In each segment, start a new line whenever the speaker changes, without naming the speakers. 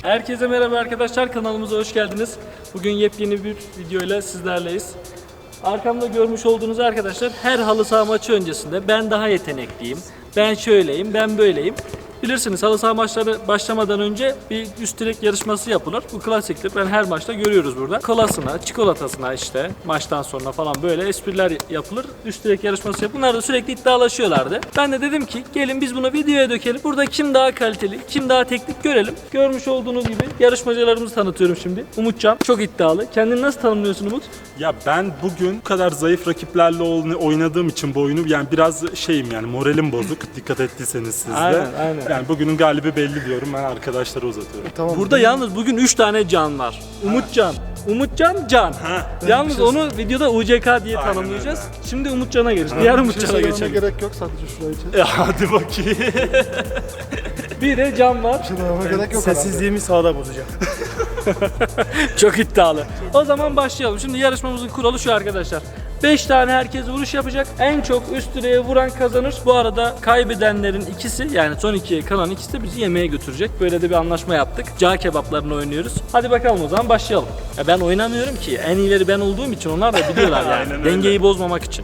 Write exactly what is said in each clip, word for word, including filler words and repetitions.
Herkese merhaba arkadaşlar, kanalımıza hoş geldiniz. Bugün yepyeni bir videoyla sizlerleyiz. Arkamda görmüş olduğunuz arkadaşlar her halı saha maçı öncesinde ben daha yetenekliyim, ben şöyleyim, ben böyleyim. Bilirsiniz halı saha maçları başlamadan önce bir üst direk yarışması yapılır. Bu klasiktir. Ben her maçta görüyoruz burada. Kolasına, çikolatasına işte maçtan sonra falan böyle espriler yapılır. Üst direk yarışması yapılır. Bunlar da sürekli iddialaşıyorlardı. Ben de dedim ki gelin biz bunu videoya dökelim. Burada kim daha kaliteli, kim daha teknik görelim. Görmüş olduğunuz gibi yarışmacılarımızı tanıtıyorum şimdi. Umutcan çok iddialı. Kendini nasıl tanımlıyorsun Umut?
Ya ben bugün bu kadar zayıf rakiplerle oynadığım için bu oyunu yani biraz şeyim yani moralim bozuk. Dikkat ettiyseniz siz de.
Aynen, aynen.
Yani bugünün galibi belli diyorum. Ben arkadaşlara uzatıyorum.
Tamam.
Burada yalnız bugün üç tane can var. Umutcan. Umutcan, Can. Yalnız
şey
onu videoda U C K diye
Aynen
tanımlayacağız. Şimdi Umutcan'a geçelim. Diğer
Bir şey
Umutcan'a
söylememe
geçelim.
gerek yok sadece şurayı için.
E hadi bakayım.
Bir de Can var.
Bir şey dememe gerek yok
Sessizliğimi sağda bozacağım.
Çok iddialı. O zaman başlayalım. Şimdi yarışmamızın kuralı şu arkadaşlar. beş tane herkes vuruş yapacak. En çok üst direğe vuran kazanır. Bu arada kaybedenlerin ikisi yani son ikiye kalan ikisi de bizi yemeğe götürecek. Böyle de bir anlaşma yaptık. Cağ kebaplarını oynuyoruz. Hadi bakalım o zaman başlayalım. Ya ben oynamıyorum ki. En iyileri ben olduğum için onlar da biliyorlar yani.
Aynen öyle.
Dengeyi bozmamak için.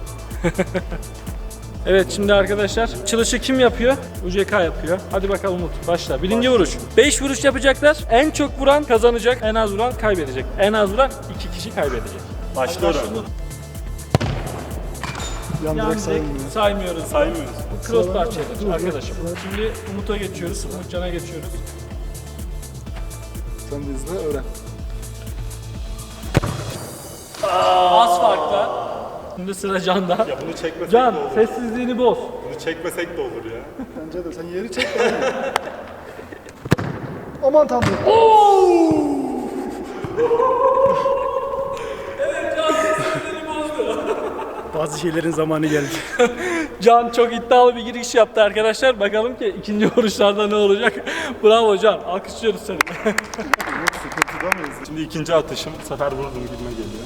Evet şimdi arkadaşlar açılışı kim yapıyor? U C K yapıyor. Hadi bakalım Umut başla. Birinci vuruş. beş vuruş yapacaklar. En çok vuran kazanacak. En az vuran kaybedecek. En az vuran iki kişi kaybedecek.
Başlıyorum.
Yan
Yan
direkt
direkt
sayılmıyor.
saymıyoruz.
Saymıyoruz.
Bu crossbar challenge arkadaşım. Şimdi Umut'a geçiyoruz. Umutcan'a geçiyoruz.
Sen de izle öğren.
Az farkla. Şimdi sıra Can'da.
Ya bunu çekmesek
Can
de olur.
sessizliğini boz.
Bunu çekmesek de olur ya.
Bence de sen yeri çek. Aman tanrım.
Bazı şeylerin zamanı geldi.
Can çok iddialı bir giriş yaptı arkadaşlar. Bakalım ki ikinci vuruşlarda ne olacak. Bravo Can. Alkışlıyoruz seni.
Sıkıntıda mıyız?
Şimdi ikinci atışım. Bu sefer vurdum gibime geliyor.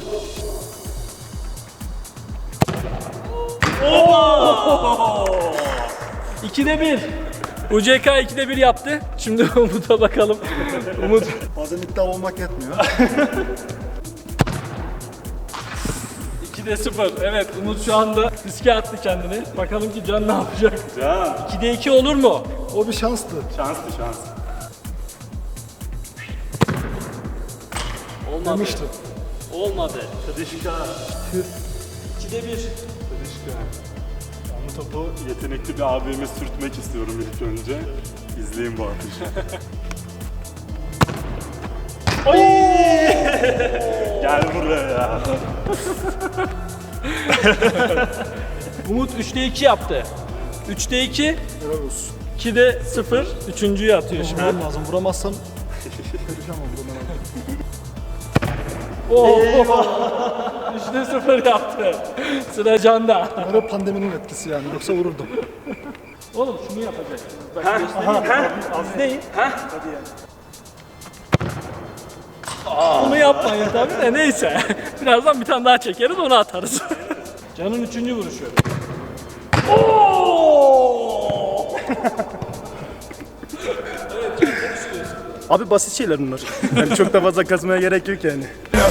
ikide bir. U C K ikide bir yaptı. Şimdi Umut'a bakalım. Umut.
Bazen iddia olmak yetmiyor.
ikide sıfır. Evet Umut şu anda riske attı kendini. Bakalım ki Can ne yapacak?
Can.
ikide iki olur mu?
O bir şanstı.
Şanslı şans.
Olmadı.
Demiştim.
Olmadı.
Kıdışka.
ikide bir.
Kıdışka. Ben bu topu yetenekli bir abime sürtmek istiyorum ilk önce. İzleyin bu atışı. Gel buraya ya.
Umut üçte iki yaptı. üçte iki,
Helal olsun.
ikide sıfır. Üçüncüyü atıyor şimdi.
Vurmam lazım. Vuramazsam perişan olurum ben abi.
Oo. üçte sıfır yaptı. Sıra Can'da.
Böyle pandeminin etkisi yani. Yoksa vururdum.
Oğlum şunu yapacak. Bak göstereyim. Az değil. Bunu yapmayın tabii de neyse. Birazdan bir tane daha çekeriz onu atarız. Can'ın üçüncü vuruşu. Oo!
Abi basit şeyler bunlar. Yani çok da fazla kazmaya gerek yok yani.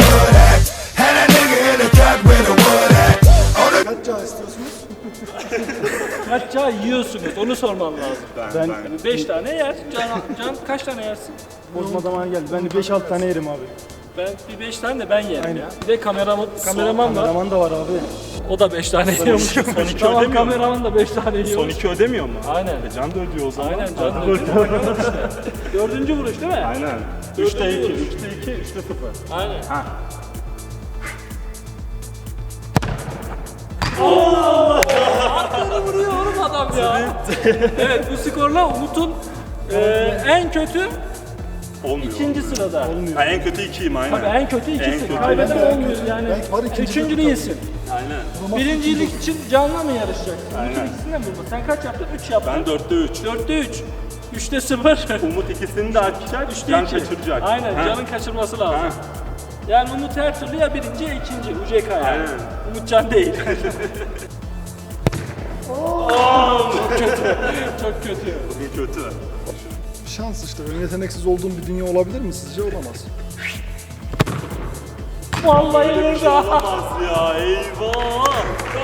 Kaç cağ istiyorsunuz?
Kaç çağ yiyorsunuz onu sorman lazım.
Ben,
Ben-
ben.
beş tane yer. Can, Can kaç tane yersin?
Bozma zamanı geldi. Ben de beş altı tane yerim abi.
Ben bir beş tane de ben yerim ya. Bir de kameraman, kameraman var.
Kameraman da var abi.
O da beş tane yiyormuş.
Son iki
Tamam
ödemiyor mu?
kameraman da beş tane
Son
yiyormuş.
iki ödemiyor mu?
Aynen.
E Can da ödüyor o zaman.
Aynen Can da ödüyor. Bakalım işte. Dördüncü vuruş değil mi?
Aynen. üçte iki, üçte iki, üçte sıfır.
Aynen.
Ha.
Arkadan vuruyor oğlum adam ya. Evet bu skorla Umut'un e, en kötü
Olmuyor.
ikinci sırada.
Ha, en kötü ikiyim aynen.
Tabii en kötü
En
ikisi.
kötü.
Kaybeden olmuyor yani.
Belki var ikincilik
Üçüncünü
tabii.
yesin.
Aynen.
Birincilik için Can'la mı yarışacak?
Aynen.
Umut'un ikisinden mi vurma? Sen kaç yaptın? Üç yaptın.
Ben dörtte üç.
Dörtte üç. Üçte sıfır.
Umut ikisini de atacak,
Üçte
Can
iki.
kaçıracak.
Aynen
Ha.
Can'ın kaçırması lazım.
Ha.
Yani Umut her türlü ya birinci ya ikinci. U C K yani.
Aynen.
Umut Can değil. Oo, çok kötü. Çok kötü.
Bugün kötü.
şans işte. Ön yeteneksiz olduğum bir dünya olabilir mi sizce? Olamaz.
Vallahi burada.
Olamaz ya, eyvah.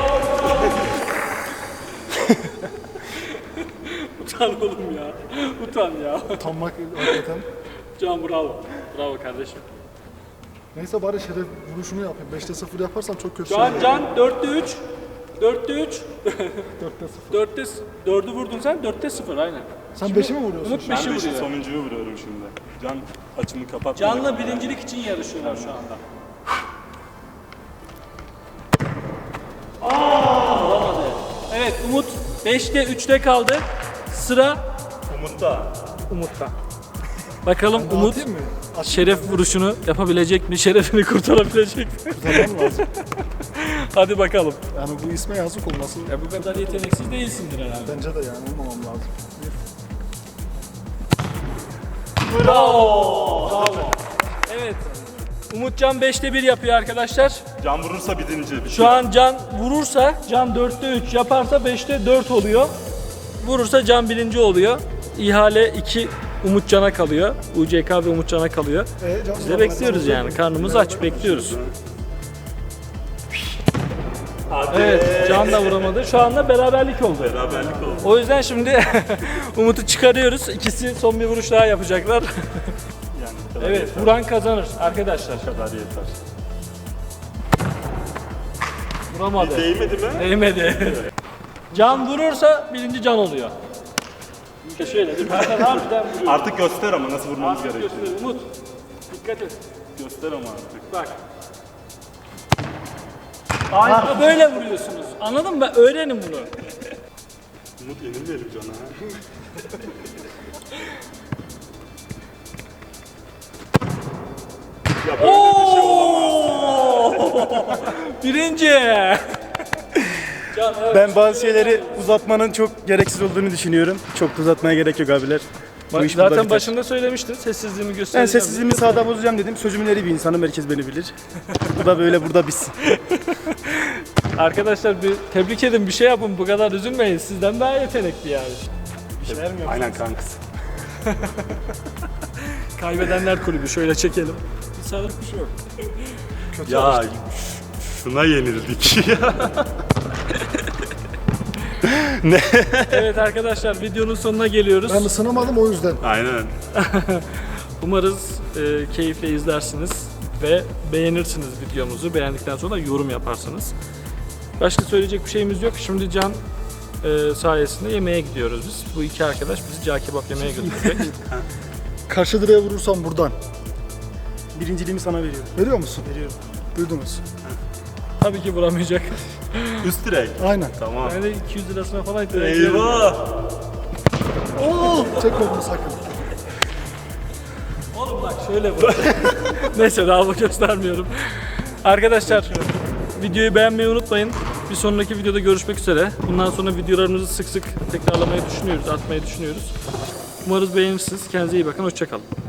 Utan oğlum ya. Utan ya.
Utanmak hakikaten.
Can bravo. Bravo kardeşim.
Neyse bari şeref vuruşunu yapayım. beşte sıfır yaparsam çok kötü
Can
şey.
Can dörtte üç. dörtte üç.
dörtte sıfır.
dörtte dördü vurdun sen. dörtte sıfır aynen.
Sen beşi mi vuruyorsun?
Umut
Ben
beşi
de işte
vuruyor.
sonuncuyu vuruyorum şimdi. Can açımı kapat.
Can'la birincilik için yarışıyorlar şu anda. Aa, olamadı. Evet Umut beşte üçte kaldı. Sıra
Umut'ta.
Umut'ta. Bakalım Umut
Dağıtayım mı? Aç
şeref vuruşunu yapabilecek mi? Şerefini kurtarabilecek mi?
kurtarmam lazım.
Hadi bakalım.
Yani bu isme yazık olması
Ya bu kadar yeteneksiz değilsindir herhalde.
bence de yani olmamam lazım.
Bravo. Evet. Umutcan beşte bir yapıyor arkadaşlar.
Can vurursa birinci.
Şu an Can vurursa, Can dörtte üç yaparsa beşte dört oluyor. Vurursa Can birinci oluyor. İhale iki Umutcan'a kalıyor. U C K ve Umutcan'a kalıyor.
E, Can-
Biz de bekliyoruz yani. Karnımız aç, bekliyoruz. Evet, Can da vuramadı. Şu anda beraberlik oldu.
Beraberlik oldu.
O yüzden şimdi Umut'u çıkarıyoruz. İkisi son bir vuruş daha yapacaklar.
Yani bu kadar
Evet,
yeter.
vuran kazanır arkadaşlar.
Bu kadar yeter.
Vuramadı.
Değmedi mi?
Değmedi. Can vurursa birinci Can oluyor. İşte şöyle bir tane harbiden vuruyor.
Artık göster ama nasıl vurmamız
Artık
gerekiyor.
göster. Umut, dikkat et.
Göster ama artık.
Bak. Aynen böyle vuruyorsunuz. Anladın mı? Öğrenin bunu.
Umut yenilmeyelim Can'a. Ya böyle bir şey olamaz.
Birinci. Can, evet.
Ben bazı şeyleri uzatmanın çok gereksiz olduğunu düşünüyorum. Çok da uzatmaya gerek yok abiler. Bu
Bak,
iş burada
zaten
biter.
başında söylemiştin. Sessizliğimi
Ben
göstereceğim.
sessizliğimi sağda bozacağım dedim. Sözümün eri bir insanım. Herkes beni bilir. Bu da böyle burada biz.
Arkadaşlar bir tebrik edin, bir şey yapın. Bu kadar üzülmeyin. Sizden daha yetenekli yani.
Aynen kankası.
Kaybedenler kulübü. Şöyle çekelim. Bir sağlık bir şey yok.
Ya şuna yenildik ya.
Evet arkadaşlar videonun sonuna geliyoruz.
Ben ısınamadım o yüzden.
Aynen.
Umarız e, keyifle izlersiniz ve beğenirsiniz videomuzu. Beğendikten sonra yorum yaparsınız. Başka söyleyecek bir şeyimiz yok. Şimdi Can e, sayesinde yemeğe gidiyoruz biz. Bu iki arkadaş bizi cağ kebap yemeye götürecek.
Karşı direğe vurursam buradan.
Birinciliğimi sana veriyorum.
Veriyor musun?
Veriyorum.
Duydunuz.
Tabii ki vuramayacak.
Üst direk.
Aynen.
Tamam.
Ben de iki yüz lirasına falan
Eyvah.
Oo, çekme bunu sakın.
Oğlum bak şöyle vur. Neyse daha bu göstermiyorum. Arkadaşlar videoyu beğenmeyi unutmayın. Bir sonraki videoda görüşmek üzere. Bundan sonra videolarımızı sık sık tekrarlamayı düşünüyoruz, atmayı düşünüyoruz. Umarız beğenirsiniz. Kendinize iyi bakın. Hoşça kalın.